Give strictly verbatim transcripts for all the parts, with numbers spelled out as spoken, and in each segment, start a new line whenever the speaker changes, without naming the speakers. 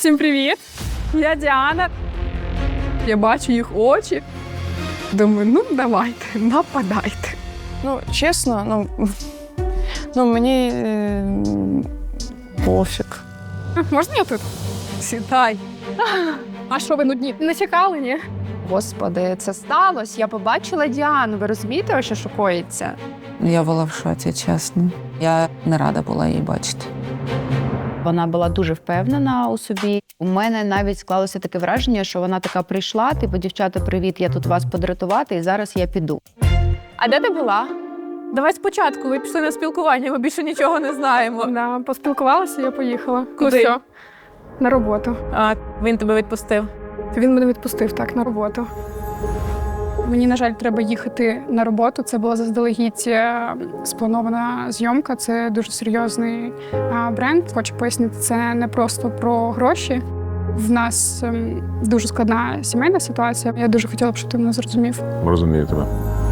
Всім привіт! Я Діана. Я бачу їх очі. Думаю, ну давайте, нападайте.
Ну, чесно, ну, ну мені е, пофіг.
Можна я тут? Сідай. А що ви нудні? Не чекали, ні?
Господи, це сталося. Я побачила Діану. Ви розумієте, що шокується?
Я була в шоці, чесно. Я не рада була її бачити.
Вона була дуже впевнена у собі. У мене навіть склалося таке враження, що вона така прийшла, типу, дівчата, привіт, я тут вас подратувати, і зараз я піду.
А де ти була? Давай спочатку, ви пішли на спілкування, ми більше нічого не знаємо.
Да, поспілкувалася, я поїхала.
Куди?
Ну, все. На роботу.
А, він тебе відпустив.
Він мене відпустив, так, на роботу. Мені, на жаль, треба їхати на роботу. Це була заздалегідь е, спланована зйомка. Це дуже серйозний е, бренд. Хочу пояснити, це не просто про гроші. В нас е, дуже складна сімейна ситуація. Я дуже хотіла б, щоб ти мене зрозумів.
Розумію тебе.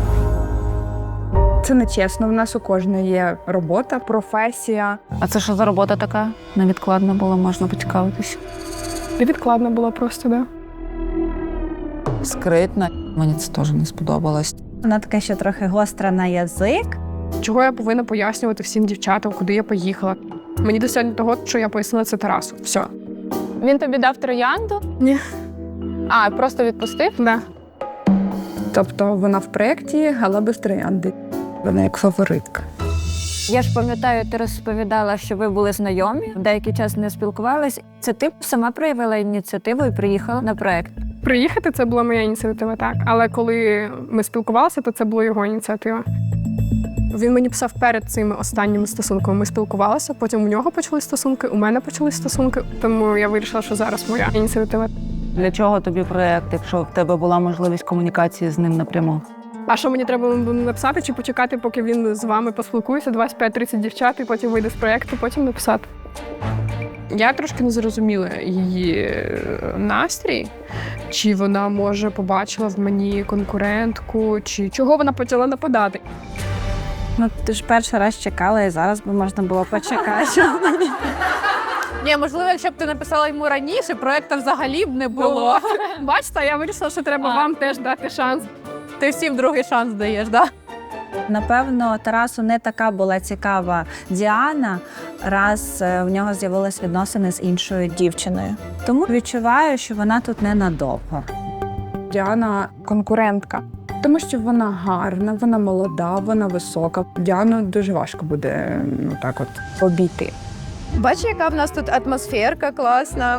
Це не чесно. В нас у кожної є робота, професія.
А це що за робота така? Невідкладна була, можна поцікавитись.
Невідкладно було просто, да.
Скритна. Мені це теж не сподобалось.
Вона така ще трохи гостра на язик.
Чого я повинна пояснювати всім дівчатам, куди я поїхала? Мені досягнення того, що я пояснила це Тарасу. Все.
Він тобі дав троянду?
Ні.
А, просто відпустив?
Да.
Тобто вона в проєкті, але без троянди. Вона як фаворитка.
Я ж пам'ятаю, ти розповідала, що ви були знайомі, деякий час не спілкувались. Це ти сама проявила ініціативу і приїхала на проєкт?
Приїхати – це була моя ініціатива, так. Але коли ми спілкувалися, то це була його ініціатива. Він мені писав перед цими останніми стосунками. Ми спілкувалися, потім у нього почали стосунки, у мене почали стосунки. Тому я вирішила, що зараз моя ініціатива.
Для чого тобі проєкт, якщо в тебе була можливість комунікації з ним напряму?
А що мені треба написати чи почекати, поки він з вами поспілкується, двадцять п'ять тридцять дівчат, і потім вийде з проєкту, потім написати? Я трошки не зрозуміла її настрій, чи вона, може, побачила в мені конкурентку, чи чого вона почала нападати.
Ну, ти ж перший раз чекала, і зараз би можна було почекати.
Ні, можливо, якщо б ти написала йому раніше, проєкту взагалі б не було.
Бачите, я вирішила, що треба
А.
вам теж дати шанс.
Ти всім другий шанс даєш, так?
Напевно, Тарасу не така була цікава Діана, раз е, в нього з'явились відносини з іншою дівчиною. Тому відчуваю, що вона тут ненадовго.
Діана конкурентка. Тому що вона гарна, вона молода, вона висока. Діану дуже важко буде, ну так от, обійти.
Бачиш, яка в нас тут атмосферка класна.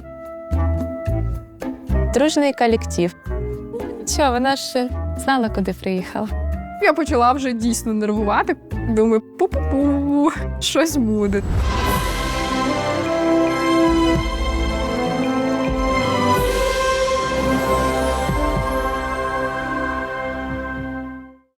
Дружний колектив. Що, вона ж знала, куди приїхала.
Я почала вже дійсно нервувати. Думаю, пу-пу-пу, щось буде.